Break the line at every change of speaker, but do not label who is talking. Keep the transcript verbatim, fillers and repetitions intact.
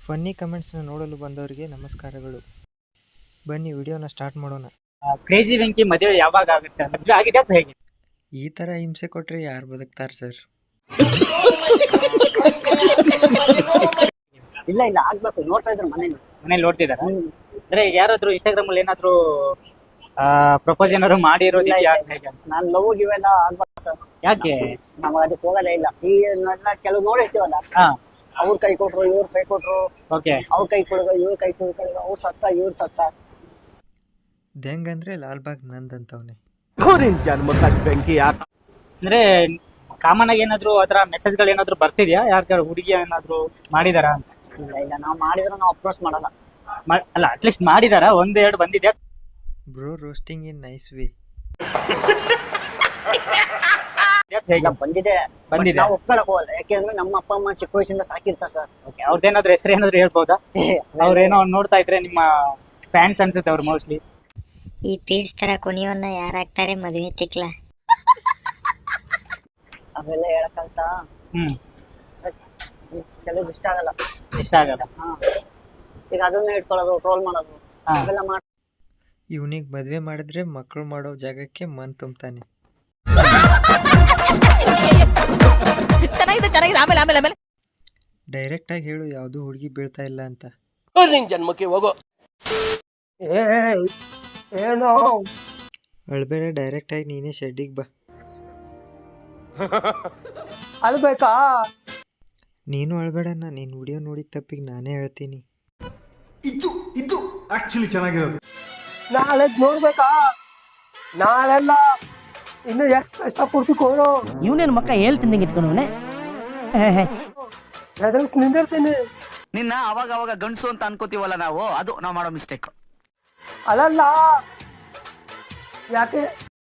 Funny ಕಮೆಂಟ್ಸ್ನ ನೋಡಲು ಬಂದವರಿಗೆ ನಮಸ್ಕಾರಗಳು. ಬನ್ನಿ ವಿಡಿಯೋನ ಸ್ಟಾರ್ಟ್ ಮಾಡೋಣ.
ಕ್ರೇಜಿ ವೆಂಕಿ ಮದುವೆ ಯಾವಾಗ ಆಗುತ್ತೆ? ಮದುವೆ ಆಗಿದೆ ಅಥವಾ ಹೇಗೆ?
ಈ ಥರ ಹಿಂಸೆ ಕೊಟ್ಟರೆ ಯಾರು ಬದುಕ್ತಾರೆ ಸರ್?
ಇಲ್ಲ ಇಲ್ಲ ಆಗ್ಬೇಕು, ನೋಡ್ತಾ ಇದ್ರು ಮನೇಲಿ
ಮನೇಲಿ ನೋಡ್ತಿದಾರ? ಅಂದ್ರೆ ಯಾರಾದ್ರೂ ಇನ್ಸ್ಟಾಗ್ರಾಮ್ ಅಲ್ಲಿ ಏನಾದ್ರು ಪ್ರಪೋಸ್ ಏನಾದ್ರು ಮಾಡಿರೋದು?
ನಾನ್ ಲವ್ ಇವೆಲ್ಲ ಆಗ್ಬೇಕು ಸರ್.
ಯಾಕೆ
ನಾವ್ ಅದಕ್ಕೆ ಹೋಗೋದೇ ಇಲ್ಲ. ಈ ಎಲ್ಲ ಕೆಲವು ನೋಡಿರ್ತೀವಲ್ಲ, ಅವ್ರ ಕೈ ಕೊಟ್ರು ಇವ್ರ ಕೈ ಕೊಟ್ರು, ಅವ್ರ ಕೈ ಕೊಡುಗ ಇವ್ರ ಕೈ ಕೊಡುಗ, ಅವ್ರ ಸತ್ತ ಇವ್ರ ಸತ್ತ.
ಹೆಂಗಂದ್ರೆ ಲಾಲ್ಬಾಗ್ ನಂದಂತವನೇ.
ಅಂದ್ರೆ ಕಾಮನ್ ಆಗಿ ಏನಾದ್ರು ಆತರ ಮೆಸೇಜ್ ಗಳು ಏನಾದ್ರು ಬರ್ತಿದ್ಯಾ? ಯಾರ ಹುಡುಗಿ ಏನಾದ್ರು ಮಾಡಿದಾರ?
ಇಲ್ಲ ಇಲ್ಲ, ನಾವ್ ಮಾಡಿದ್ರು ನಾವ್ ಅಪ್ರೋಚ್ ಮಾಡಲ್ಲ.
ಅಲ್ಲ, ಅಟ್ಲೀಸ್ಟ್ ಮಾಡಿದಾರ? ಒಂದ್ ಎರಡು ಬಂದಿದ್ಯಾ?
Bro roasting in nice way.
ಬಂದಿದೆ, ನಾವು ಒಪ್ಕೊಳಕ್ ಹೋಗಲ್ಲ. ಯಾಕೆಂದ್ರೆ ನಮ್ಮ ಅಪ್ಪ ಅಮ್ಮ ಚಿಕ್ಕ ವಯಸ್ಸಿಂದ ಸಾಕಿರ್ತಾರ ಸರ್.
ಅವ್ರದ್ದೇನಾದ್ರು ಹೆಸರು ಏನಾದ್ರು ಹೇಳ್ಬೋದಾ? ಅವ್ರೇನೋ ನೋಡ್ತಾ ಇದ್ರೆ ನಿಮ್ಮ ಫ್ಯಾನ್ಸ್ ಅನ್ಸುತ್ತೆ ಅವ್ರು ಮೋಸ್ಟ್ಲಿ.
ಈ ಪೀಡ್ಸ್ ತರ ಕೊನೆಯವನ್ನ ಯಾರಾಗ್ತಾರೆ ಮದುವೆ ತಿಕ್ಲ?
ಅವೆಲ್ಲ ಹೇಳಕ್ಕಂತ
ಹ್ಮ್
ಕೆಲವು ಇಷ್ಟ ಆಗಲ್ಲ.
ಇಷ್ಟ ಆಗಲ್ಲ.
ಈಗ ಅದನ್ನ ಇಟ್ಕೊಳ್ಳೋದು, ಟ್ರೋಲ್ ಮಾಡೋದು, ಅವೆಲ್ಲ ಮಾಡ.
ಇವನಿಗೆ ಮದ್ವೆ ಮಾಡಿದ್ರೆ ಮಕ್ಕಳು ಮಾಡೋ ಜಾಗಕ್ಕೆ ಮನ್ ತುಂಬ್ತಾನೆ. ಡೈರೆಕ್ಟ್ ಆಗಿ ಹೇಳು, ಯಾವ್ದು ಹುಡುಗಿ ಬೀಳ್ತಾ ಇಲ್ಲ ಅಂತ.
ಜನ್ಮಕ್ಕೆ ಹೋಗೋ.
ಅಳ್ಬೇಡ, ಡೈರೆಕ್ಟ್ ಆಗಿ ನೀನೇ ಶೆಡ್ಡಿಗೆ ಬಾ.
ಅಳ್ಬೇಕಾ?
ನೀನು ಅಳ್ಬೇಡ, ನಿನ್ನ ವಿಡಿಯೋ ನೋಡಿದ ತಪ್ಪಿಗೆ ನಾನೇ ಹೇಳ್ತೀನಿ.
ಇದು ಇದು ಆಕ್ಚುಲಿ ಚೆನ್ನಾಗಿರೋದು.
ನಾಳೆ ನೋಡ್ಬೇಕಾ? ನಾಳೆಲ್ಲ ಇನ್ನು ಎಷ್ಟು ಕಷ್ಟ ಪಡ್ತಿಕೋರು.
ಇವನೇನು ಮಕ್ಕ ಹೇಳ್ತಿಂದಂಗೆ ಇಟ್ಕೊಂಡವನೆ.
ನಿಂದಿರ್ತೀನಿ.
ನಿನ್ನ ಅವಾಗ ಅವಾಗ ಗಂಡಸು ಅಂತ ಅನ್ಕೋತೀವಲ್ಲ ನಾವು, ಅದು ನಾವು ಮಾಡೋ ಮಿಸ್ಟೇಕ್.
ಅಲ್ಲಲ್ಲ, ಯಾಕೆ